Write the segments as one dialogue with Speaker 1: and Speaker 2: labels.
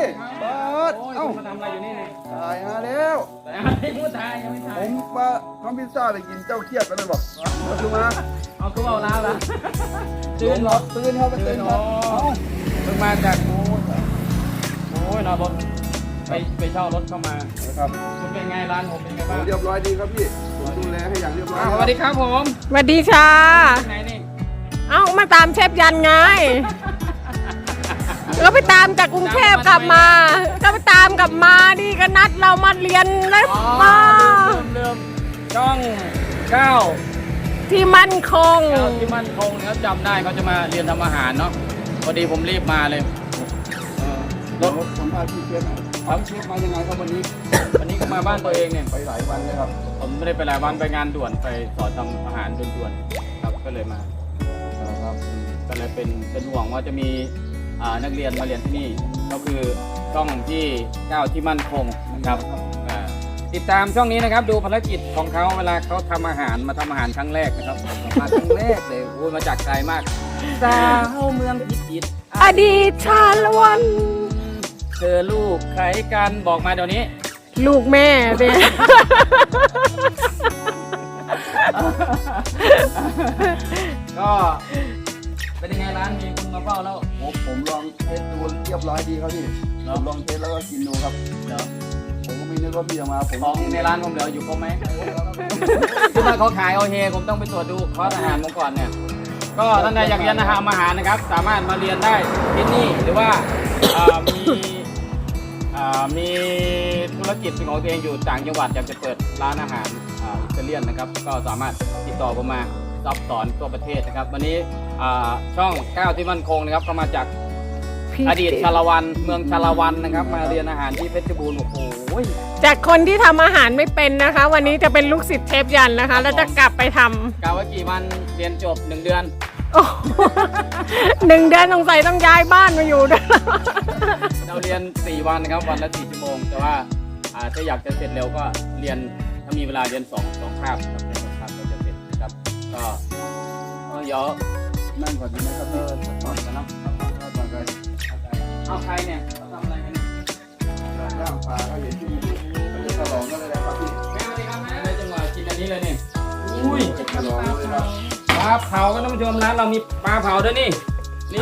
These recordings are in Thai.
Speaker 1: บาสเอ้า
Speaker 2: มาทำอะไรอยู่นี่เนี่ย
Speaker 1: ตายมาแล้ว
Speaker 2: แต่ไม่พูดไทยยังไม่ไท
Speaker 1: ผ
Speaker 2: ย
Speaker 1: มว่าทำพิซซ่าไปกินเจ้าเครียดกันเลยบอกมาดูมา
Speaker 2: เอาคือเอาแล้วล่ะ
Speaker 1: ตื่นครับตื่นครับตื่นครับ
Speaker 2: เพิ่งมาจากโอ้ยนอนรถไปเช่ารถเข้ามา
Speaker 1: นะครับ
Speaker 2: คุณเป็นไงร้านผมเป็นไงบ้าง
Speaker 1: เรียบร้อยดีครับพี่ผมดูแลให้อย่างเรียบร้อย
Speaker 2: สวัสดีครับผม
Speaker 3: สวัสดีค่ะ
Speaker 2: ที่ไหนนี่
Speaker 3: เอ้ามาตามเชฟยันไง ก็ไปตามจากกรุงเทพกลับมา ก็ไปตามกลับมานี่ก็นัดเรามาเรียนแล้วมา
Speaker 2: เริ่มช่องเก้า
Speaker 3: ที่มั่นคง
Speaker 2: ที่มั่นคงนะครับจำได้เขาจะมาเรียนทำอาหารเนาะพอดีผมรีบมาเลยร
Speaker 1: ร
Speaker 2: ถ
Speaker 1: ถสัมภาษณ์พี่เชฟหน่อยครับเชฟมายังไงครับวันนี้
Speaker 2: วันนี้ก็มาบ้านตัวเองเนี่ย
Speaker 1: ไปหลายวันเลยครับ
Speaker 2: ผมไม่ได้ไปหลายวันไปงานด่วนไปสอนทำอาหารด่วนๆครับก็เลยมาครับก็เลยเป็นห่วงว่าจะมีนักเรียนมาเรียนที่นี่ก็คือช่องที่9ที่มั่นคงนะครับติดตามช่องนี้นะครับดูภารกิจของเขาเวลาเขาทำอาหารมาทำอาหารครั้งแรกนะครับมาครั้งแรกเลยโอ้ยมาจากไกลมากสาวเมืองพิจิตร
Speaker 3: อดีตชาละวัน
Speaker 2: เธอลูกใครกันบอกมาเดี๋ยวนี้
Speaker 3: ลูกแม่เนี่ย
Speaker 2: ก็เป็นยังไงร้านมีคนมาเฝ้าแล้ว
Speaker 1: ผมลองเทสดูเรียบร้อยดีครับพี่ผมลองเทสแล้วก็กินดูครับ
Speaker 2: เดี๋ยว
Speaker 1: ผมก็ไม่นึกว่าพี่จะมาผม
Speaker 2: ของในร้านผมเหลืออยู่ครบไหมคือถ้าเขาขายเอาเฮผมต้องไปตรวจดูคอร์สอาหารผมก่อนเนี่ยก็ท่านใดอยากเรียนทำอาหารนะครับ สามารถมาเรียนได้ที่นี่หรือว่ามีธุรกิจเป็นของตัวเองอยู่ต่างจังหวัดอยากจะเปิดร้านอาหารอิตาเลียนนะครับก็สามารถติดต่อผมมารับสอนทั่วประเทศนะครับวันนี้ช่อง9ที่มั่นคงนะครับก็มาจากอดีตชาละวันเมืองชาละวันนะครับมาเรียนอาหารที่เพชรบูรณ์โอ้โห
Speaker 3: จากคนที่ทำอาหารไม่เป็นนะคะ วันนี้จะเป็นลูกศิษย์เชฟยันนะคะ แล้วจะกลับไปทำ
Speaker 2: กะว่ากี่วันเรียนจบ1 เดือน
Speaker 3: โอ้โห1 เดือนสงสัยต้องย้ายบ้านมาอยู่ด้วย
Speaker 2: เราเรียน4 วันนะครับวันละ4 ชั่วโมงแต่ว่าถ้าอยากจะเสร็จเร็วก็เรียนถ้ามีเวลาเรียน2 คาบครับเรียน2 คาบก็จะเสร็จนะครับก็เดี๋ยว
Speaker 1: นั่งก่อนดีไหมครับพี่
Speaker 2: ก่อนกันเนาะ
Speaker 1: ก่อนเลย
Speaker 2: เอาใครเนี่ยเขาทำอะไรกันเนี่ย
Speaker 1: ย่างปลาเขาเห็นที่ไปฉลองกันเลยนะครับพี่
Speaker 2: แม่สวัสดีครับแม่ในจังหวะกินอันนี้เลยนี่อุ้ย
Speaker 1: ฉลองเลยครับ
Speaker 2: ปลาเผาก็ท่านผู้ชมร้านเรามีปลาเผาด้วยนี่นี่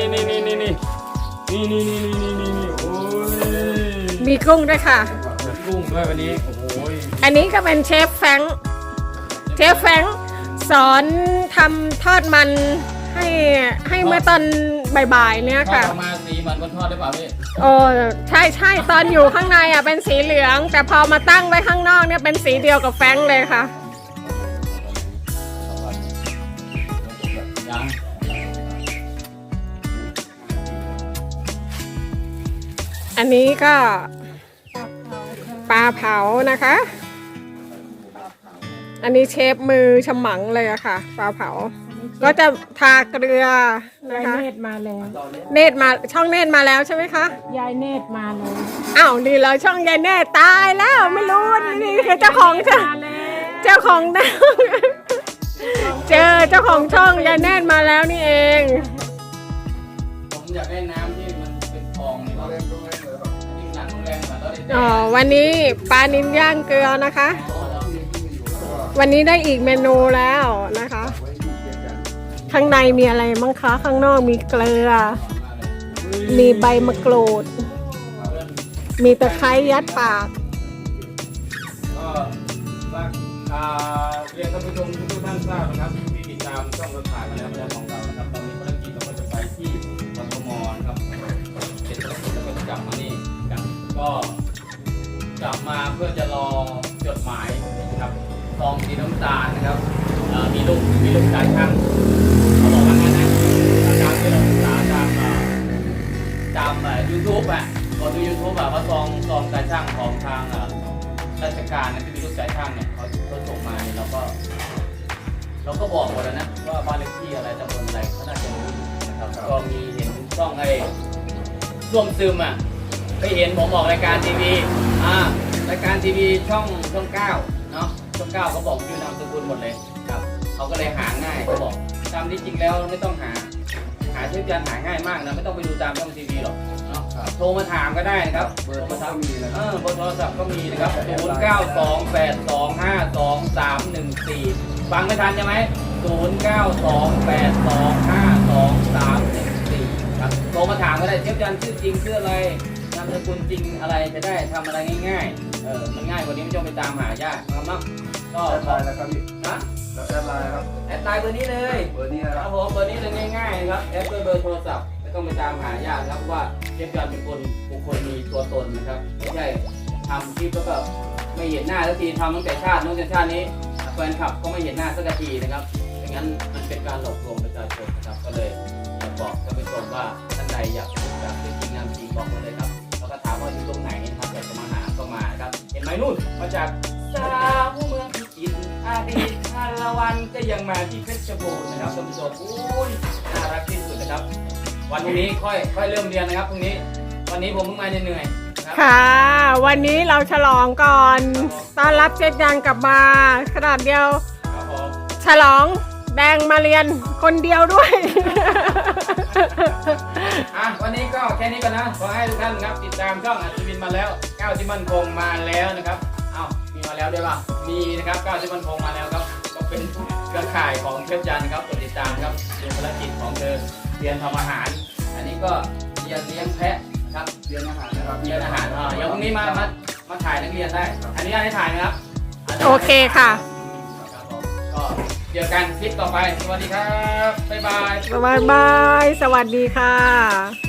Speaker 2: โอ้ย
Speaker 3: มีกุ้งด้วยค่ะ
Speaker 2: กุ้งด้วยวันนี้โอ้โห
Speaker 3: อันนี้ก็เป็นเชฟแฟรงค์เชฟแฟรงค์สอนทำทอดมันให้เมื่อตอนบ่ายๆเนี่ย
Speaker 2: ทอด
Speaker 3: ค่ะ
Speaker 2: ออกมาสีเหมือนคนทอดได้เปล่าพี่
Speaker 3: โอ้ใช่ตอนอยู่ข้างในอ่ะเป็นสีเหลือง แต่พอมาตั้งไว้ข้างนอกเนี่ยเป็นสีเดียวกับแฟรงค์เลยค่ะ
Speaker 2: ยัง
Speaker 3: อันนี้ก็ปลาเผานะคะ อันนี้เชฟมือฉมังเลยอะค่ะปลาเผา ก็จะทาเกลือนะ
Speaker 4: ยาย
Speaker 3: คะ
Speaker 4: เนตรมาแล้ว
Speaker 3: เนตรมาช่องเนตรมาแล้วใช่ไหมคะ
Speaker 4: ยายเนตรมาแล้ว
Speaker 3: อ้าวนี่เลยช่องยายเนตรตายแล้วไม่รู้นี่คือเจ้าของช่อง
Speaker 4: มาแล้ว
Speaker 3: เจ้าของเจอเจ้าของช่องยายเนตรมาแล้วนี่เอง
Speaker 2: ผมอยากได้น้ำที่มันเป็นทองนี่ว่าที่หนังแรงกว่าเราได้
Speaker 3: อ๋อวันนี้ปลานิลย่างเกลือนะคะ วันนี้ได้อีกเมนูแล้วนะคะ ข้างในมีอะไรมั้งคะข้างนอกมีเกลือ มีใบมะกรูด มีตะไคร้ยัดปาก
Speaker 2: ก็ฝากเรียนท่านผู้ชมทุกท่านทราบนะครับที่ติดตามช่องเราถ่ายมาแล้วของเรานะครับตอนนี้ภารกิจเราก็จะไปที่กทมนะครับเสร็จแล้วก็จะกลับมานี่กันก็กลับมาเพื่อจะรอจดหมายนะครับซองสีน้ำตาลนะครับมีลูกสายช่างเขาบอกว่างั้นนะอาจารย์ที่เราศึกษาตามYouTube อ่ะพอดู YouTube อ่ะเขาซองสายช่างของทางราชการนะที่มีลูกสายช่างเนี่ยเขาส่งมาเนี่ยเราก็บอกหมดแล้วนะว่าบ้านเลขที่อะไรตำบลอะไรเขาน่าจะรู้นะครับก็มีเห็นช่องไอ้ร่วมซึมอ่ะไปเห็นผมออกรายการทีวีรายการทีวีช่อง9เนาะช่อง9เขาบอกชื่อนามสกุลหมดเลยครับเขาก็เลยหาง่ายเขาบอกตามที่จริงแล้วไม่ต้องหาหาเชฟยันหาง่ายมากนะไม่ต้องไปดูตามช่องทีวีหรอกเนาะโทรมาถามก็ได้นะครับ
Speaker 1: เบอร์โทรก็มีนะค
Speaker 2: เอ
Speaker 1: รับ
Speaker 2: อเบอร์โทรศัพท์ก็มีนะครับ0928252314ฟังไม่ทันใช่ไหม0928252314ครับโทรมาถามก็ได้เชฟยันชื่อจริงชื่ออะไรนามสกุลจริงอะไรจะได้ทำอะไรง่ายๆมันง่ายกว่านี้ไม่ต้องไปตามหายากนะครับเนาะก็
Speaker 1: แอดไลน์นะครับพี่
Speaker 2: นะ
Speaker 1: แล้วแอดไลน์ครับ
Speaker 2: แอดไลน์เบอร์นี้เลย
Speaker 1: เบอร์นี้นะ
Speaker 2: ค
Speaker 1: ค
Speaker 2: รั
Speaker 1: รั
Speaker 2: บบ ผมเบอร์นี้เลยง่ายๆนะครับแอดด้วยเบอร์โทรศัพท์ไม่ต้องไปตามหายากครับว่าเชฟยันเป็นคนบุคคลมีตัวตนนะครับไม่ใช่ทำคลิปแล้วก็ไม่เห็นหน้าสักทีทำตั้งแต่ชาตินู้นจนชาตินี้แฟนคลับก็ไม่เห็นหน้าสักทีนะครับอย่างนั้นมันเป็นการหลอกลวงประชาชนนะครับก็เลยอยากบอกท่านผู้ชมว่าท่านใดอยากรู้จักเป็นจริงงามจริงบอกมาเลยครับแล้วก็ถามว่าอยู่ตรงไหนนะครับอยากจะมาหาก็มานะครับเห็นไหมนู่นมาจากสาวเมืองพิจิตรอดีตชาละวันก็ยังมาที่เพชรบูรณ์นะครับท่านผู้ชมอุ้ยน่ารักที่สุดนะครับวันพรุ่งนี้ค่อยเริ่มเรียนนะครับพรุ่งนี้วันนี้ผมเพิ่งมาเหนื่อยๆนะครับ
Speaker 3: ค่ะ วันนี้เราฉลองก่อนต้อนรับเชฟยันกลับมาขนาดเดียว
Speaker 2: ครับผม
Speaker 3: ฉลองแดงมาเรียนคนเดียวด้วย
Speaker 2: วันนี้ก็แค่นี้ก่อนนะขอให้ทุกท่านครับติดตามช่องอัศวินมาแล้วก้าวที่มั่นคงมาแล้วนะครับมีมาแล้วด้วยป่ะมีนะครับก้าวที่มั่นคงมาแล้วครับก็เป็นเครือข่ายของเชฟยันครับกดติดตามครับดูภารกิจของเธอเรียนทำอาหาร อันนี้ก็เรียนเลี้ยงแพะครับ
Speaker 1: เรียนอาหารนะครับ
Speaker 2: เรียนอาหารเดี๋ยวพรุ่งนี้มาถ่ายนักเรียนได้ อันนี้ให้ถ่ายนะครับ
Speaker 3: โอเคค่ะ
Speaker 2: ครับผมก็เจอกันคลิปต่อไปสวัสดีครับบ๊ายบาย
Speaker 3: บ๊ายบาย สวัสดีค่ะ